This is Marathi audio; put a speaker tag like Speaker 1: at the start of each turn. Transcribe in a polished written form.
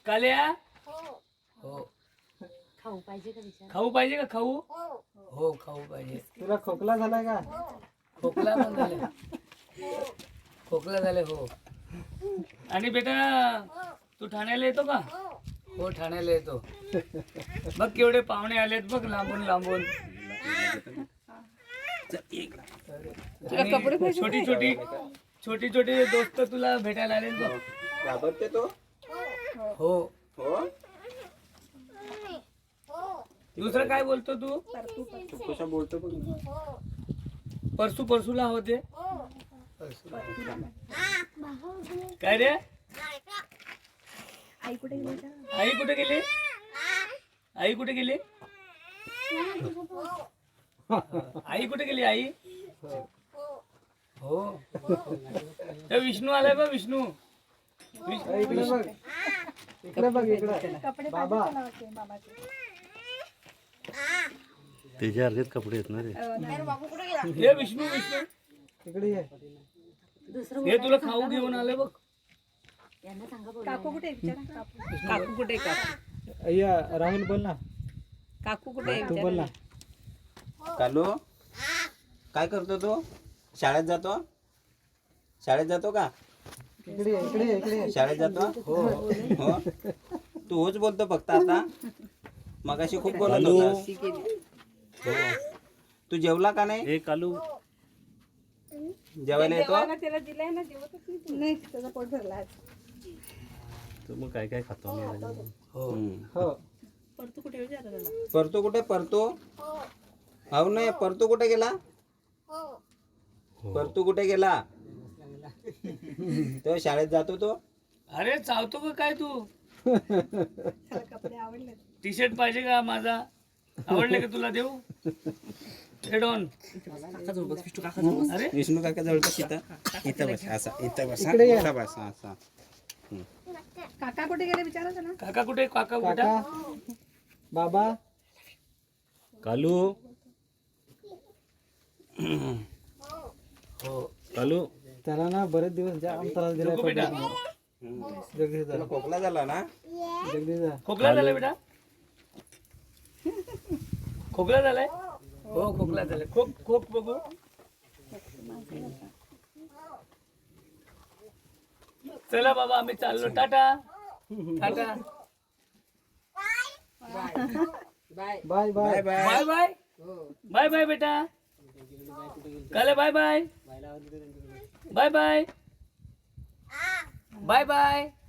Speaker 1: काल्या हो
Speaker 2: खाऊ पाहिजे का विचार?
Speaker 1: खाऊ पाहिजे का खाऊ हो खाऊ पाहिजे.
Speaker 3: तुला खोकला झालाय का?
Speaker 1: खोकला पण झाले खोकला झाले हो. आणि बेटा तू ठाण्याला येतो का? हो ठाण्याला येतो. बघ केवढे पाहुणे आलेत बघ लांबून लांबून. आणि छोटी छोटी दोस्त तुला भेटायला आले बघ.
Speaker 3: घाबरते तो?
Speaker 1: हो
Speaker 3: हो.
Speaker 1: दुसरं काय बोलतो तू?
Speaker 3: तू कशा बोलतो बघ.
Speaker 1: परसूला होते. काय रे आई कुठे गेली? आई कुठे गेली? आई कुठे गेली? आई हो त्या विष्णू आलाय बा. विष्णू
Speaker 3: इकडे बघ. इकडे बघ इकडे. बाबा
Speaker 4: त्याच्यासारखेच कपडे आहेत ना रे.
Speaker 1: हे विष्णू विष्णू
Speaker 3: इकडे ये.
Speaker 1: हे तुला खाऊ घेऊन आले बघ.
Speaker 2: यांना सांगा
Speaker 5: काकू कुठे आहे विचारा? काकू कुठे आहे? काकू
Speaker 3: अय्या राहुल बोल ना.
Speaker 5: काकू कुठे आहे
Speaker 3: तू बोल ना.
Speaker 6: कालू काय करतो तू? शाळेत जातो? शाळेत जातो का?
Speaker 3: इकडे ये, इकडे ये, इकडे ये.
Speaker 6: शाळेत जातो? हो हो. तू होच बोलतो फक्त आता. मगाशी खूप बोलत होतास. हो. तू जेवला का नाही?
Speaker 4: हे कालू
Speaker 6: जेवायला येतो?
Speaker 5: त्याला दिलाय ना, जेवतच नाही त्याचा पोट भरला आज.
Speaker 4: तू मग काय काय खातो आम्ही?
Speaker 3: हो.
Speaker 5: परतू कुठे विचारा त्याला?
Speaker 6: परतू कुठे? परतू हो नाही. परतू कुठे गेला? परतू कुठे गेला? तो शाळेत जातो तो?
Speaker 1: अरे चावतो का काय तू?
Speaker 5: त्याला कपडे आवडले.
Speaker 1: टी शर्ट पाहिजे का माझा? आवडले का तुला देऊ? हेडॉन अरे
Speaker 6: विष्णू काका जवळ बस. इथं बस. असा इथं बस.
Speaker 3: इकडे ये.
Speaker 6: इथं बस. असा
Speaker 5: काका कुठे गेले विचारा त्याला?
Speaker 1: काका कुठे? काका कुठे?
Speaker 3: काका बाबा
Speaker 4: कालू
Speaker 1: हो
Speaker 4: कालू
Speaker 3: त्याला ना बरेच दिवस जाम त्रास दिलाय.
Speaker 1: नको बेटा.
Speaker 3: जगदीश
Speaker 6: तुला खोकला झाला ना?
Speaker 3: जगदीश
Speaker 1: खोकला झालाय बेटा? खोकला झालाय? हो खोकला झालाय. खोक खोक बघू. चला बाबा आम्ही चाललो. Tata tata
Speaker 3: bye
Speaker 6: bye
Speaker 3: bye.
Speaker 6: Bye.
Speaker 1: Bye bye bye bye बेटा. काले bye bye bye bye bye bye.